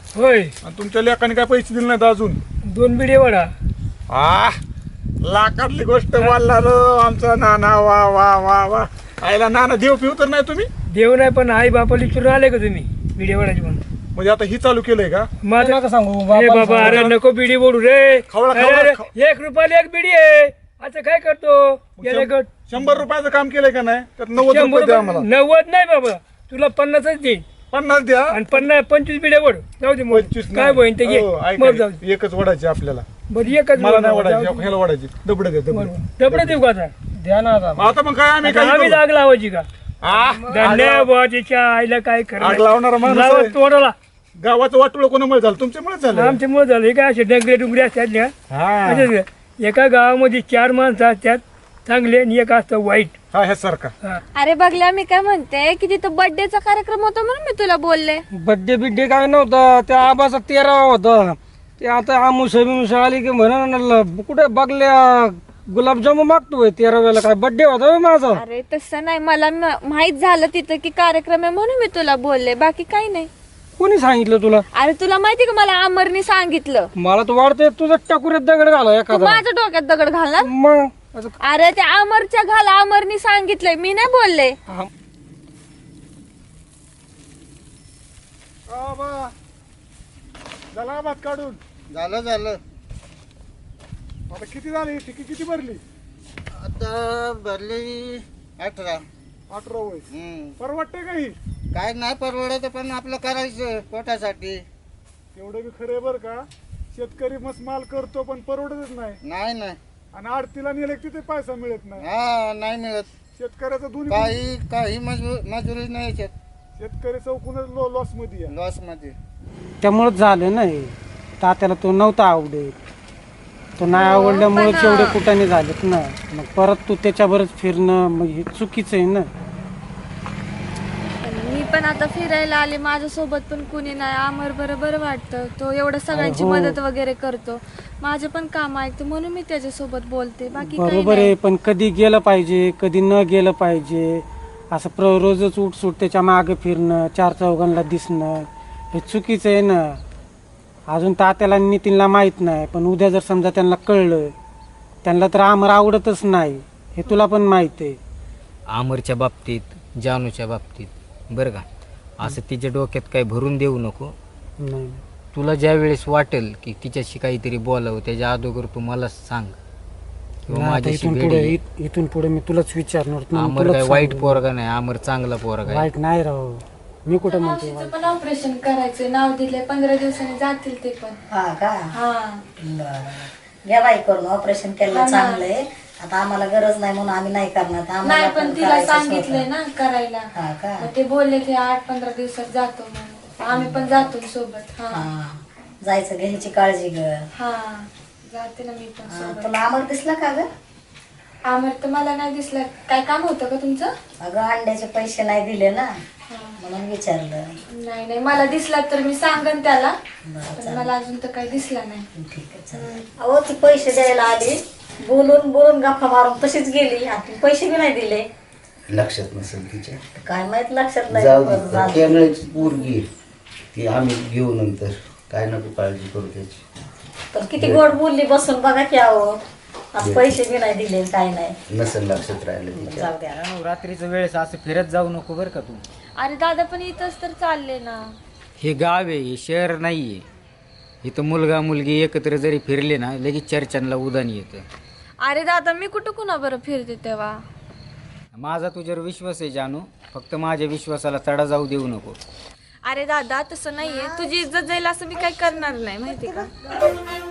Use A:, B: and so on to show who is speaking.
A: होय.
B: आणि तुमच्या लेकाने काय पैसे दिले नाहीत अजून.
A: 2 बिडे वडा.
B: लाखातली गोष्ट बोलला रो आमचा नाना. वा वा वा वा. आईला नाना देव पिऊ तर नाही तुम्ही.
A: देव नाही पण आई बापाला विचारून आले का तुम्ही बिडे वडाची म्हणून?
B: म्हणजे आता ही चालू केलंय का?
A: माझं
C: नका सांगू
A: अरे बाबा अरे नको बिडी बोडू रे.
B: खवळा,
A: अरे,
B: खवळा,
A: अरे,
B: खवळा.
A: 1 रुपयाला 1 बिडी आहे. आता काय करतो गेले गट
B: 100 रुपयाचं काम केलंय का नाही? त्यात 90
A: 100
B: रुपये द्या आम्हाला.
A: 90 नाही बाबा तुला 50च देईन
B: 50 द्या.
A: आणि 25 बिड्या वड जाऊ दे मग.
B: 25
A: काय होईन ते घे
B: हो, ऐका,
A: मग जाऊ दे.
B: एकच वडायची आपल्याला.
A: बरं एकच
B: मला
A: वड
B: नाही
A: जाऊ
B: वडायची
A: दे.
B: ह्याला वडायची. दबडे द्या दबडे.
A: डबडं देऊ का आता?
C: द्या ना आता.
B: आता मग काय आम्ही
A: आता
B: काय
A: आम्ही
B: करू?
A: जाग लावायची का?
B: आ,
A: धन्यवाद तिच्या आईला काय
B: आग लावणारा माणूस आहे.
A: तोडाला
B: गावाचं वाटोळं कोणामुळे झालं? तुमच्यामुळे झालं.
A: आमच्यामुळे झालं हे काय असे डंगरे डुंगरे असतात ना
B: हा
A: असेच. एका गावामध्ये 4 माणसं असतात चांगले आणि एक असतं वाईट.
B: हा ह्यासारखा.
A: हा.
D: अरे बघल्या मी काय म्हणते की तिथं बर्थडेचा कार्यक्रम होता म्हणून मी तुला बोलले.
C: बड्डे बिड्डे काय नव्हतं, त्या आबाचा 13वा होता. ते आता आमुषा आली की म्हणा कुठे बघल्या गुलाबजामू मागतोय 13व्याला. काय बड्डे होता होय माझा?
D: अरे तसं नाही, मला माहित झालं तिथं की कार्यक्रम आहे म्हणून मी तुला बोलले, बाकी काही नाही.
C: कोणी सांगितलं तुला?
D: अरे तुला माहिती का मला अमरनी सांगितलं.
C: मला तर वाटतंय तुझं टाकुऱ्यात दगड घाला
D: तू
C: एखादा.
D: माझ्या डोक्यात दगड घालणार?
C: मग असं
D: अरे त्या अमरच्या घाला, अमरनी सांगितलंय, मी नाही बोलले.
B: झाला भात काढून.
E: झालं
B: आता किती झाली? टिकी किती भरली?
E: आता भरली 18.
B: 18 वय. परवडते का ही?
E: काय नाही परवडायचं पण आपलं करायचं पोटासाठी.
B: तेवढं बी खरं आहे बरं का. शेतकरी मस्त माल करतो पण परवडतच नाही.
E: नाही
B: आणि आडतीला नेले की तिथे पैसा मिळत नाही.
E: हा नाही मिळत.
B: शेतकऱ्याचं दोन्ही
E: काही मजुरी नाही याच्यात.
B: शेतकरी चौकूनच लॉस मध्ये आहे.
E: लॉस मध्ये.
C: त्यामुळेच झालं नाही. तात्याला तो नव्हता आवडत. तो नाही आवडल्यामुळे एवढे कुटाने झालेत ना. मग परत तू त्याच्यावरच फिरणं मग हे चुकीचं आहे ना.
D: मी पण आता फिरायला आले, माझ्यासोबत पण कुणी नाही. अमर बरं वाटतं, तो एवढं सगळ्यांची
C: हो.
D: मदत वगैरे करतो, माझे पण काम ऐकतो म्हणून मी त्याच्यासोबत बोलते, बाकी काही
C: बरोबर आहे.
D: नाही.
C: पण कधी गेलं पाहिजे कधी न गेलं पाहिजे. असं रोजच उठसूट त्याच्या मागे फिरणं, 4 चौघांना दिसणं हे चुकीचं आहे ना. अजून तात्याला नितीनला माहीत नाही, पण उद्या जर समजा त्यांना कळलं, त्यांना तर आमर आवडतच नाही हे तुला पण माहित आहे.
F: आमरच्या बाबतीत, जानूच्या बाबतीत बरं का, असं तिच्या डोक्यात काही भरून देऊ नको.
C: नाही
F: तुला ज्या वेळेस वाटेल की तिच्याशी काहीतरी बोलावं त्याच्या अगोदर तू मला सांग किंवा
C: आता
F: माझ्याशी
C: इथून
F: भेट
C: पुढे
F: घे.
C: इथून पुढे मी तुलाच विचारणार. मी
F: आमर
C: तुलाच
F: काय वाईट
C: सांगेन.
F: पोरगा नाही, आमर चांगला पोरगा आहे.
C: वाईट नाही राहू. मी कुठं म्हणतो
D: मावशीचं पण ऑपरेशन करायचं, नाव दिले, 15 दिवसांनी जातील ते पण.
G: हा का?
D: हा
G: बरं घ्या बाई करून. ऑपरेशन केलं चांगलंय. आता आम्हाला गरज नाही म्हणून आम्ही नाही करणार. आम्हाला
D: नाही पण तिला
G: करायचंच
D: सांगितलंय
G: होतं.
D: ना करायला.
G: हा का?
D: मग ते बोलले ते 8-15 दिवसात जातो म्हणून, आम्ही पण जातो सोबत. हा
G: हा जायचं घ्यायची काळजी ग.
D: हा जाते ना मी पण
G: हा,
D: सोबत.
G: तुला आमर दिसला का ग?
D: आमर तर मला नाही दिसलं. काय काम होतं का तुमचं?
G: अगं अंड्याचे पैसे नाही दिले ना
D: हा.
G: म्हणून विचारलं.
D: नाही मला दिसला तर मी सांगन त्याला,
G: बरं,
D: पण
G: चालेल.
D: मला अजून तर काही दिसला नाही.
G: ठीक आहे चालेल. अहो ती पैसे द्यायला आली, बोलून गप्पा मारून तशीच गेली. आणि पैसे बी नाही दिले.
E: लक्षात नसेल तिच्या.
G: काय माहित लक्षात नाही.
E: जाऊ
G: बरं
E: दे.
G: झालं.
E: कॅमेऱ्याची पोरगी आहे. ती आम्ही घेऊ नंतर. काय नको काळजी करू त्याची.
G: पण किती गोड बोलली बसून बघा की. अहो आज पैसे बी नाही दिले काय नाही.
E: नसेल लक्षात राहिलं तिच्या.
G: जाऊ द्या.
F: रात्रीच्या वेळेस असं फिरत जाऊ नको बरं का तू.
D: अरे दादा पण इथंच तर चालले ना.
F: हे गाव आहे, हे शहर नाही आहे. इथं मुलगा मुलगी एकत्र जरी फिरले ना लगेच चर्चांना उदान येतं.
D: अरे दादा मी कुठं कुणा बरं फिरते तेव्हा.
F: माझा तुझ्यावर विश्वास आहे जानू, फक्त माझ्या विश्वासाला तडा जाऊ देऊ नको.
D: अरे दादा तसं नाहीये, तुझी इज्जत जाईल असं मी काही करणार नाही माहिती का.